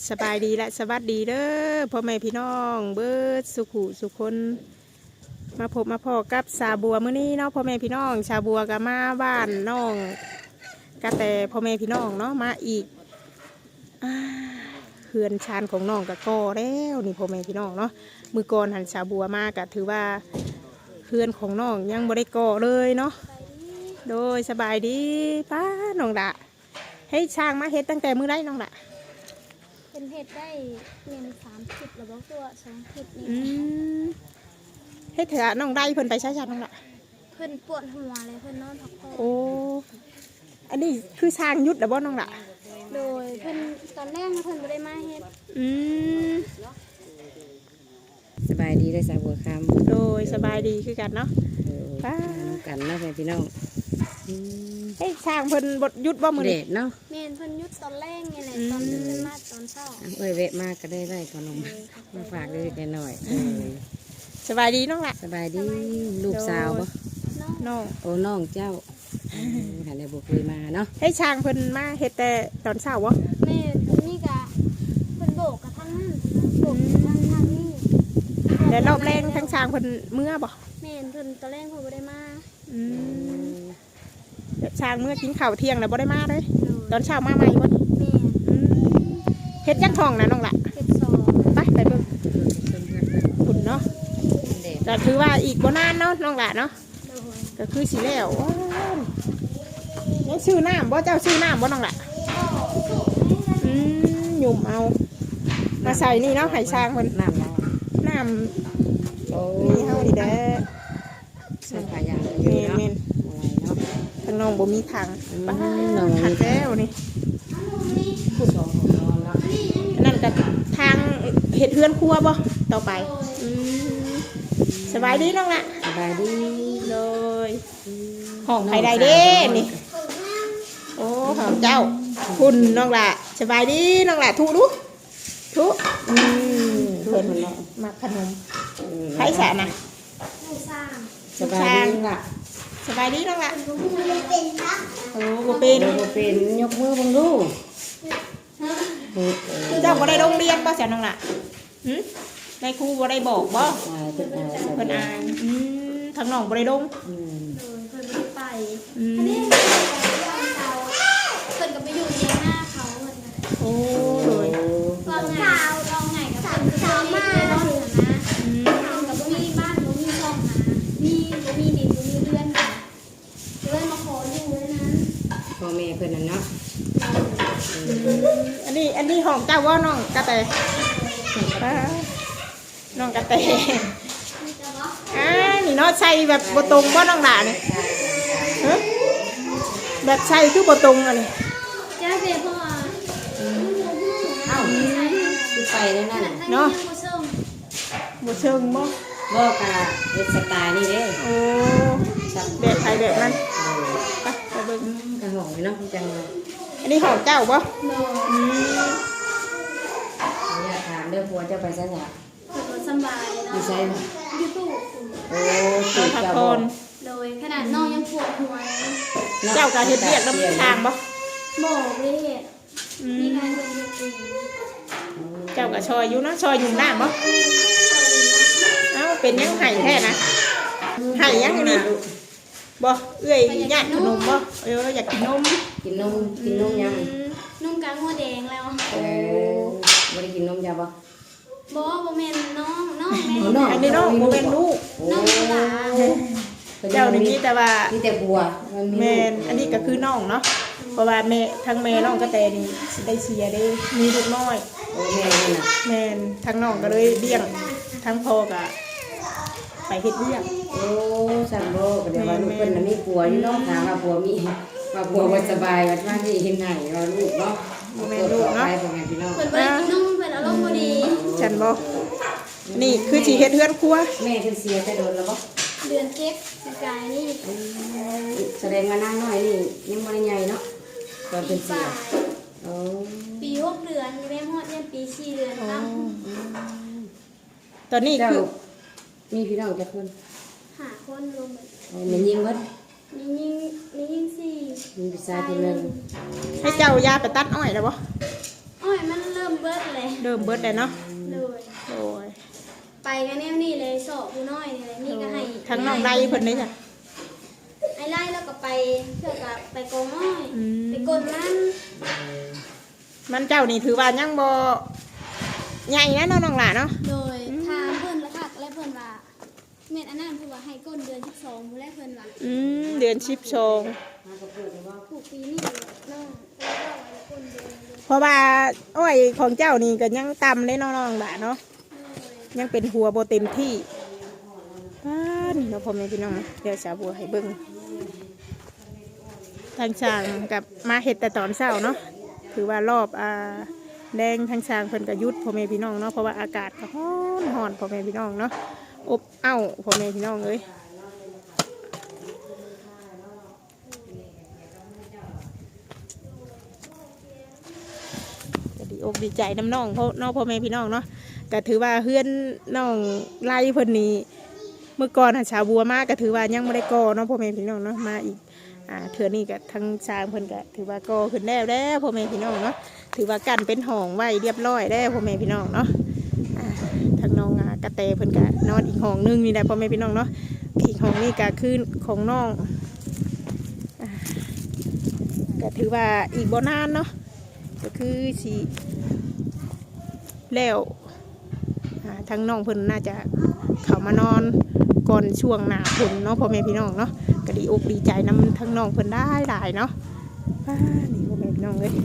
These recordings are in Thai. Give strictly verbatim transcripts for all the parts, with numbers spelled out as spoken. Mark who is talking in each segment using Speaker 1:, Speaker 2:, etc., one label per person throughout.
Speaker 1: สบายดีและสวัสดีเด้อพ่อแม่พี่น้องเบิดสุขุสุคนมาพบมาพอกับสาบัวมื้อนี้เนาะพ่อแม่พี่น้องชาบัวก็มาบ้านน้องกะแต่พ่อแม่พี่น้องเนาะมาอีกเขื่อนชานของน้องกะก่อแล้วนี่พ่อแม่พี่น้องเนาะมือก่อนหันชาบัวมากะถือว่าเขื่อนของน้องยังบ่ได้ก่อเลยเนาะโดยสบายดีป้าน้องดะให้ช่างมาเฮ็ดตั้งแต่มื้อไรน้องดะ
Speaker 2: เป็นเห็ดได้เงินสามสิบหรือว่าตัวสองสิบนี่
Speaker 1: ให้เถอะน้องได้เพิ่นไปใช้ชาน้องละ
Speaker 2: เพิ่นปวดหัวเลยเพิ่นนอนพักผ่อน
Speaker 1: โอ้อันนี้คือช่างยุดหรือบ่น้องละ
Speaker 2: โดยเพิ่นตอนแรกเพิ่นไม่ได้มาเฮ็ด
Speaker 1: อืม
Speaker 3: สบายดีได้สาวบัวคำ
Speaker 1: โดยสบายดีคือกันเนาะ
Speaker 3: ป้ากันเนาะพี่น้อง
Speaker 1: เฮ้ยช่างเพิ่นบดยุดบ่มือ
Speaker 3: เด็ดเนาะ
Speaker 2: เมนเพิ่นยุดตอนแรกไงแหละตอนเพิ่นมาตอนเช้า
Speaker 3: เอ้ยเวะมากก็ได้ได้ขนมมาฝากเล็กๆหน่อย
Speaker 1: สบายดีน้องละ
Speaker 3: สบายดีลูกสาวบ่
Speaker 1: น้อง
Speaker 3: โอ้น้องเจ้าหันได้บุกเคยมาเนาะ
Speaker 1: ให้ช่างเพิ่นมาเฮ็ดแต่ตอนเช้าบ่
Speaker 2: แม่นี่กะเพิ่นโบกกะทั้งนั้นโบกกะทั้งทางนี้
Speaker 1: แต่รอบแรงทั้งช่างเพิ่นเมื่อบ่
Speaker 2: แม่เพิ่นตอนแรกเพิ่นบ่ได้มา
Speaker 1: อืมช่างเมื่อกินข้าวเที่ยงแล้วบ่ได้มาเลยตอนเช้ามาใหม่บ่
Speaker 2: แม่
Speaker 1: เฮ็ดจักทองนะน้องละ
Speaker 2: เฮ็ดสอง
Speaker 1: ไปไปเบิ่งขุนเนาะก็ถือว่าอีกบ่นานเนาะน้องละเนาะก็คือสิแล้วนี่ชื่อน้ำบ่เจ้าชื่อน้ำบ่น้องละอืมหยุ่มเอามาใส่นี่เนาะไห่ช้างมัน
Speaker 3: น้ำ
Speaker 1: น้ำนี่เฮาดีแด้
Speaker 3: ใส่ผ้ายาง
Speaker 1: เมนเมนทางน้องบ่มีทางบ้านขัดแล้วนี่นั่นก็ทางเห็ดเฮือนครัวบ่ต่อไปสบายดีน้องละ
Speaker 3: สบายดี
Speaker 1: เลยห้องใครได้เด้นี่โอ้ห้องเจ้าคุณน้องละสบายดีน้องละทุดูทุอืมเพิ่นมาขนมใครสะนะ
Speaker 3: สบายดีล่ะ
Speaker 1: สบายดีน้องละโอ้โห
Speaker 3: เป็นโอ้เป็นยกมือบังดู
Speaker 1: เจ้าบ่ได้โรงเรียนบ่เสียน้องละหืมในครูบ่ได้บอกบ่
Speaker 3: เพิ่นอ่าน
Speaker 1: เพิ่นอ่านอืมทางน้องบ่ได้ลง
Speaker 2: อืมเพิ่นบ่ได้ไปอันนี้เพิ่นก็ไปอยู่เรียนหน้าเขาเพิ่น
Speaker 1: โอ้โดย
Speaker 2: ลองไงลองไงกับเพิ่นคือเขามาเนาะนะอืมเฮาก็บ่มีบ้านบ่มีช่องหามีบ่มีดินบ่มีเรือนเลยมาขออยู่เลยนะ
Speaker 3: พ่อแม่เพิ่นน่ะเนาะ
Speaker 1: อันนี้อันนี้ห้องเจ้าว่าน้องกระแตน้องกระแตอ่านี่เนาะใช่แบบบตรงว่าน้องหนาเนี่ยแบบใช่คือบตรงอันนี้
Speaker 2: จ้าเสียพ่อ
Speaker 3: เอ้าคือไปแล้วนั่น
Speaker 1: เนาะบุเชิงบ่
Speaker 3: บ่กะเฮ็ดสไตล์นี่เด้
Speaker 1: โอ้แบบไทยแบบนั้นไปไปเบิ่ง
Speaker 3: กระหองเนาะจัง
Speaker 1: อันนี้ห้องเจ้าบ่อืม
Speaker 3: อยากถามเรื่องผัวเจ้าไปซะเนี่ย
Speaker 2: สบายเนาะ
Speaker 3: อยู่ใช่ไหม
Speaker 2: อยู่ตู้
Speaker 3: โอ้ตู้
Speaker 1: พัก
Speaker 3: เจ้า
Speaker 1: ผ่อน
Speaker 2: โดยขนาดน้องยังปวดหัว
Speaker 1: เจ้าการเฮ็ดเรียกน้ำทางบ่
Speaker 2: บอกเลยเหตุมีการเดินเดิน
Speaker 1: เจ้ากับชอยอยู่เนาะชอยอยู่หน้าบ่เอ้าเป็นยังไห้แท้นะไห้ยังนี่บ่เอื้อยญาติขนมบ่เอออยากกินนม
Speaker 3: กินนมกินนมยัง
Speaker 2: นมกางหัวแดงแล้ว
Speaker 3: เออบ่ได้กินนมยาบ่
Speaker 2: บ่บ่แม่นน้องน้องแม่
Speaker 1: อันนี้น้องบ่แม่นลูก
Speaker 2: น้องหลา
Speaker 1: เจ้านี่มีแต่ว่า
Speaker 3: มีแต่บัว
Speaker 1: แม่นอันนี้ก็คือน้องเนาะเพราะว่าแม่ทั้งแม่น้องก็แต่นี่สิได้เสียได้มีลูกน้อย
Speaker 3: โอ้แม่นี่น่ะ
Speaker 1: แม่นทั้งน้องก็เลยเลี้ยงทั้งพ่อก็ไปเฮ็ดเลี้ยง
Speaker 3: โอ้สั่นบ่ก็เดี๋ยวว่าลูกเพิ่นน่ะมีผัวอยู่เนาะถามว่าผัวมีว่าผัวบ่สบายว่าว่าสิเฮ็ดให้ว่าลูกเนาะ
Speaker 1: บ่แม่นลูกเนาะ
Speaker 2: เพิ่นบ่ได้กินนมเพิ่นอารมณ์บ่ดี
Speaker 1: ฉันบ่นี่คือสิเฮ็ดเฮือนครัว
Speaker 3: แม่เพิ่นเสียแต่โดนแล้วบ่
Speaker 2: เดือนเจ็ดกายนี่
Speaker 3: แสดงว่านางน้อยนี่ยังบ่ได้ใหญ่เนาะตอนเป็นเสียโอ้
Speaker 2: ปีหกเดือนแม่ฮอดเนี่ยปีสี่เดือนครับ
Speaker 1: ตอนนี้คือ
Speaker 3: มีพี่น้องจักคน
Speaker 2: ห้าคนรวม
Speaker 3: แม่ยิงเบิด
Speaker 2: มียิงมียิงสี่
Speaker 3: มีพี่ชายคนนึง
Speaker 1: ให้เจ้ายาไปตัดอ้อยแล้วบ่
Speaker 2: อ้อยอยมันเริ่มเบิดเลย
Speaker 1: เริ่มเบิดแล้วเนาะ
Speaker 2: เลย
Speaker 1: โอ้ย
Speaker 2: ไปกันแนวนี่เลยสอบผู้น้อยนี่เลยนี่ก็ให้
Speaker 1: ทั้งน้องไดเพิ่นได้จ้ะ
Speaker 2: ไอ้ไล่แล้วก็ไปเพื่อกับไปโกงน้อย
Speaker 1: อืม
Speaker 2: ไปกลมัน
Speaker 1: มันเจ้านี่ถือว่ายังบ่ใหญ่นะเนาะน้องหล่ะเนาะ
Speaker 2: โดยทางเพื่อนละค่ะและเพื่อนว่าเม็ดอันนั้นเพื่อนว่าให้ก้นเดือนสิบสองผู้แรกเพื่อนว่า
Speaker 1: อืมเดือนสิบสอง
Speaker 2: ถูกปีนี่น้องแล้วก็ไว้ก้นเดือนเลย
Speaker 1: เพราะว่าอ้อยของเจ้านี่ก็ยังต่ำเลยเนาะน้องหล่ะเนาะยังเป็นหัวบ่เต็มที่ป้านเนาะพ่อแม่พี่น้องเดี๋ยวสาวบัวให้เบิ่งทางช่างกับมาเฮ็ดแต่ตอนเช้าเนาะถือว่ารอบอ่าแดงทางช่างเพิ่นก็หยุดพ่อแม่พี่น้องเนาะเพราะว่าอากาศก็ร้อนร้อนพ่อแม่พี่น้องเนาะอบอ้าวพ่อแม่พี่น้องเอ้ยก็ดีอกดีใจน้ำน้องเพราะน้องพ่อแม่พี่น้องเนาะก็ถือว่าเฮือนน้องไล่เพิ่นนี่เมื่อก่อนหาชาวบัวมาก็ถือว่ายังไม่ได้ก่อเนาะพ่อแม่พี่น้องเนาะมาอีกอ่าเถื่อนี่ก็ทั้งช้างเพิ่นก็ถือว่าก่อขึ้นแล้วแล้วพ่อแม่พี่น้องเนาะถือว่ากันเป็นห้องไว้เรียบร้อยแล้วพ่อแม่พี่น้องเนาะอ่าทางน้องอ่ากระแตเพิ่นก็นอนอีกห้องนึงนี่แหละพ่อแม่พี่น้องเนาะอีกห้องนี่ก็คือของน้องอ่าก็ถือว่าอีกบ่นานเนาะก็คือสิแล้วอ่าทางน้องเพิ่นน่าจะเข้ามานอนก่อนช่วงหน้าฝนเนาะพ่อแม่พี่น้องเนาะก็ดีอกดีใจนำทั้งน้องเพิ่นได้หลายเนาะป้านี่พ่อแม่พี่น้องเลย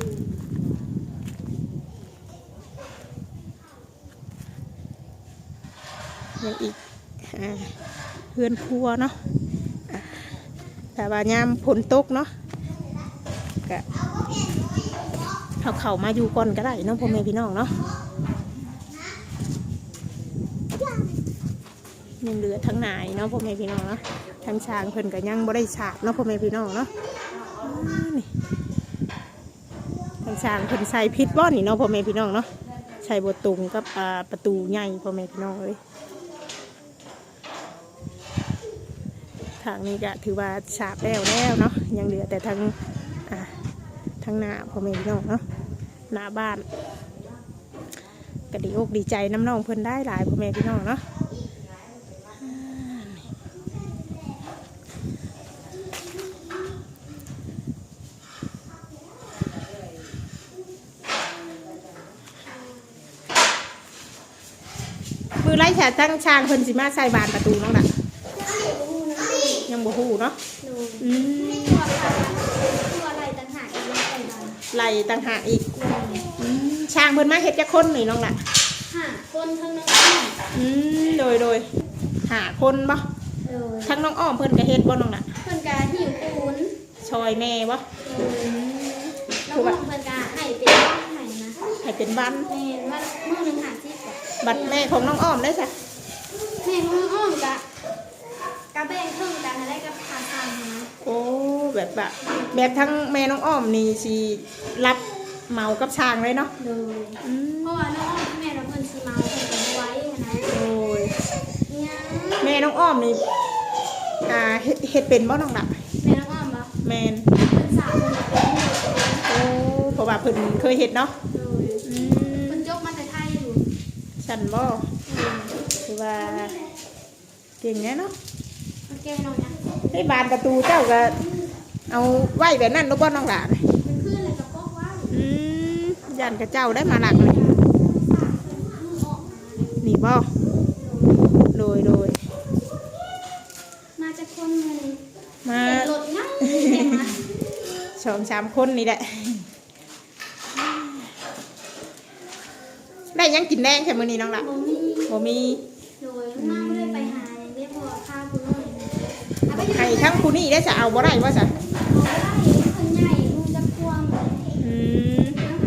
Speaker 1: ยังอีกอ่าเพื่อนครัวเนาะอ่าแต่ว่ายามฝนตกเนาะก็เขาเข้ามาอยู่ก่อนก็ได้เนาะพ่อแม่พี่น้องเนาะยังเหลือทั้งนายเนาะพ่อแม่พี่น้องเนาะทั้งช้างเพิ่นก็ยังบ่ได้ฉาบเนาะพ่อแม่พี่น้องเนาะอ่านี่ทั้งช้างเพิ่นใส่พิษบ่นี่เนาะพ่อแม่พี่น้องเนาะใส่บ่ตรงกับอ่าประตูใหญ่พ่อแม่พี่น้องเอ้ยทางนี้ก็ถือว่าฉาบแล้วแล้วเนาะยังเหลือแต่ทางอ่าทางหน้าพ่อแม่พี่น้องเนาะหน้าบ้านก็ดีอกดีใจน้ำน้องเพิ่นได้หลายพ่อแม่พี่น้องเนาะมือไล่แฉทั้งช้างเพิ่นสิมาใส่บานประตูน้องน่ะยังบ่ฮู้เนาะ
Speaker 2: หนู
Speaker 1: อืม
Speaker 2: ตัวค่ะตัวอะไรต่างหากอีกไม่ใช่บ้าน
Speaker 1: ไล่ต่างหากอีกอืมช้างเพิ่นมาเฮ็ดจักคนนี่น้องน่ะ
Speaker 2: ห้าคนทั้งน้องอ้อม
Speaker 1: อืมโดยโดยหาคนบ่
Speaker 2: โดย
Speaker 1: ทั้งน้องอ้อมเพิ่นก็เฮ็ดบ่น้องน่ะ
Speaker 2: เพื่อนกาหิวปูน
Speaker 1: ชอยแม่บ่
Speaker 2: น้องอ้อมเพื่อนกาให้เป็นบ้านให้นะ
Speaker 1: ให้เป็นบ้าน
Speaker 2: แม่ว่าเมื่อหนึ่งหาที่ก่อน
Speaker 1: บัดแม่ของน้องอ้อมได้จ้ะ
Speaker 2: แม่ของน้องอ้อมกะกะแบ่งครึ่งกันอะไรกับทางทางนะ
Speaker 1: โอ้แบบแบบแบบทั้งแม่น้องอ้อมนี่สิรับเหมากับช้างเลยเนาะ
Speaker 2: โดย
Speaker 1: อืม
Speaker 2: เพราะว่าน้องอ้อมแม่เราเพิ่นซีเมาเพิ่นเป็นไว้นะ
Speaker 1: โอ้ย
Speaker 2: เนี่ย
Speaker 1: แม่น้องอ้อมนี่อ่าเฮ็ดเฮ็ดเป็นบ่น้องน่ะ
Speaker 2: แม่น้องอ้อมบ่
Speaker 1: แม่น
Speaker 2: เพิ่นสาวเพิ่นเป็น
Speaker 1: โอ้เพราะว่าเพิ่นเคยเฮ็ดเนาะ
Speaker 2: โดย
Speaker 1: อืม
Speaker 2: เพิ่นยกมาแต่ไทยอยู่
Speaker 1: ฉันบ่คือว่าเก่งแน่เนาะ
Speaker 2: โอเคน้องนะ
Speaker 1: ให้บานประตูเจ้าก็เอาไว้แบบนั้นลูกบ่น้องหลาน
Speaker 2: มันขึ้นเลยกับพวกว่า
Speaker 1: อืมยันกับเจ้าได้มาหลักเลยนี่บ่โดยโดย
Speaker 2: มาจากคนเงิน
Speaker 1: มา
Speaker 2: เป็นรถง่ายเต็มมา
Speaker 1: สองสามคนนี่แหละได้ยังกินแดงแค่มื้อนี้น้องล่ะ
Speaker 2: บ่มี
Speaker 1: บ่มี
Speaker 2: โดยมาไม่ได้ไปหาอย่างเรียกว่าข้าวผู้น้อยเอาไป
Speaker 1: ให้ทั้งผู้นี้ได้จะเอาบ่ได้ว่าซะ
Speaker 2: เอาไปได้คนใหญ่มึงจะควง
Speaker 1: อืม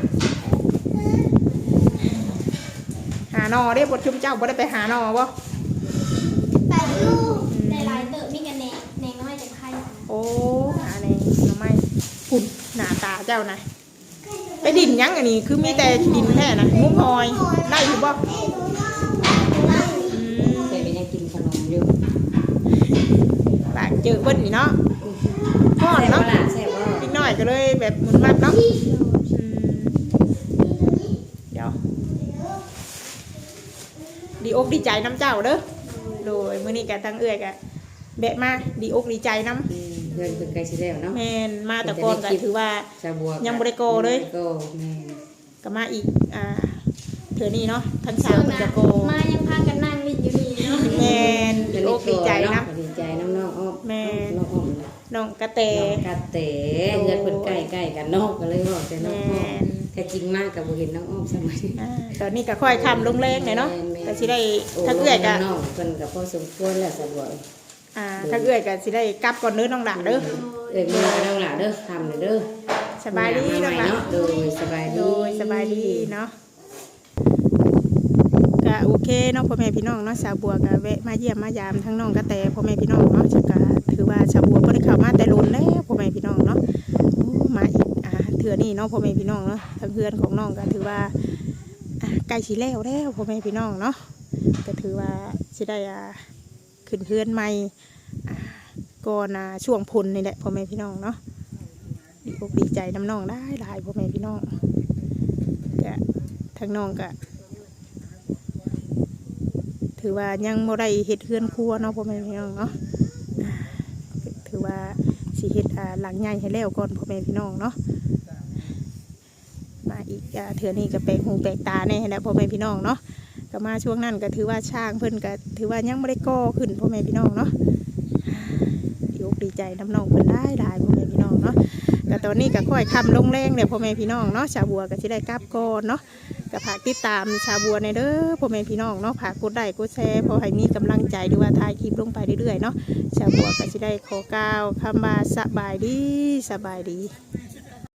Speaker 1: หาหนอเด้บ่ชุมเจ้าบ่ได้ไปหาหนอบ่
Speaker 2: แปดลูกในลายเติบมีกันแหนแหนน้อยจากไทย
Speaker 1: โอ้หาในหน่อไม้ฝุ่นหน้าตาเจ้านะไปดินยังอันนี้คือมีแต่ดินแท้นะงุ้มหอยได้อยู่บ่อืม
Speaker 3: เคยไปยังกินขนมอยู่
Speaker 1: ปากเจอเบิ้ลนี่เนาะทอด
Speaker 3: แซ่บ
Speaker 1: เนาะ
Speaker 3: บ่ล่ะแซ่บบ่
Speaker 1: นิดหน่อยก็เลยแบบหมุนมัดเนาะอืมดีอกดีใจน้ำเจ้าเด้อโดยมื้อนี้ก็ทั้งเอื้อยก็แบะมาดีอกดีใจน้ำ
Speaker 3: อืมเพื่อนเพิ่นใกล้สิแล้วเนาะ
Speaker 1: แม่นมาแต่ก่อนก็ถือว่า
Speaker 3: ชาวบัว
Speaker 1: ยังบ่ได้โกเลย
Speaker 3: โกแม่น
Speaker 1: ก็มาอีกอ่าเถื่อนี้เนาะทั้ง
Speaker 2: ส่
Speaker 1: สาม
Speaker 2: วน
Speaker 1: คน
Speaker 2: น่ะ
Speaker 1: จะโก
Speaker 2: มายังพากันนั่งลิ้นอยู่นี่เนาะ
Speaker 1: แม่นดีอกดีใจนะ
Speaker 3: ดีใจน้องน้องอ้อม
Speaker 1: แม่น
Speaker 3: น้องอ้อม
Speaker 1: น้องกระเต
Speaker 3: น้องกระเต๋เพื่อนเพิ่นใกล้ๆกันเนาะก็เลยบอกแต่น้องอ้อ
Speaker 1: แม่
Speaker 3: ม
Speaker 1: น
Speaker 3: แต่จริงมากก็บ่เห็นน้องอ้อมสมัย
Speaker 1: อ่าตอนนี้ก็ค่อยคำลงแรงเลยเนาะ
Speaker 3: แม่นๆ
Speaker 1: ก็สิได้ถ้าเอื้อยก็
Speaker 3: น้องเพิ่นก็พอสมควรแล้วสะบัว
Speaker 1: อ่าถ้าเอื้อยก็สิได้กลับก่อนเด้อน้องหลาเด้อ
Speaker 3: เอ้ยมื้อน้องหล่ะเด้อทำเด้อ
Speaker 1: สบายดีน้องหลา
Speaker 3: เนาะโดยสบายดี
Speaker 1: โดยสบายดีเนาะก็โอเคเนาะพ่อแม่พี่น้องเนาะสาวบัวก็แวะมาเยี่ยมมายามทั้งน้องกระแตพ่อแม่พี่น้องเนาะจะก็ถือว่าสาวบัวบ่ได้เข้ามาแต่ล้นแล้วพ่อแม่พี่น้องเนาะโอ้มาอีกอ่าเถื่อนี้เนาะพ่อแม่พี่น้องเนาะทั้งเพื่อนของน้องก็ถือว่าอ่าใกล้สิแล้วแล้วพ่อแม่พี่น้องเนาะก็ถือว่าสิได้อ่าขึ้นเพื่อนใหม่อ่าก่อนอ่าช่วงพ้นนี่แหละพ่อแม่พี่น้องเนาะดีอกดีใจน้ำน้องได้หลายพ่อแม่พี่น้องก็ทั้งน้องก็ถือว่ายังบ่ได้เฮ็ดเฮือนครัวเนาะพ่อแม่พี่น้องเนาะอ่าถือว่าสิเฮ็ดอ่าหลังใหญ่ให้แล้วก่อนพ่อแม่พี่น้องเนาะมาอีกอ่าเทื่อนี้ก็แปลกหูแปลกตาแน่แหละพ่อแม่พี่น้องเนาะก็มาช่วงนั้นก็ถือว่าช่างเพิ่นก็ถือว่ายังบ่ได้ก่อขึ้นพ่อแม่พี่น้องเนาะดีอกดีใจน้ำน้องเพิ่นได้หลายพ่อแม่พี่น้องเนาะก็ตอนนี้ก็ค่อยคำลงแรงเลยพ่อแม่พี่น้องเนาะชาวบัวก็สิได้กลับก่อนเนาะ ก็ฝากติดตามชาวบัวในเด้อพ่อแม่พี่น้องเนาะฝากกดไลค์กดแชร์พอให้มีกำลังใจหรือว่าถ่ายคลิปลงไปเรื่อยๆเนาะชาวบัวก็จะได้ขอกล่าวคำว่าสบายดีสบายดี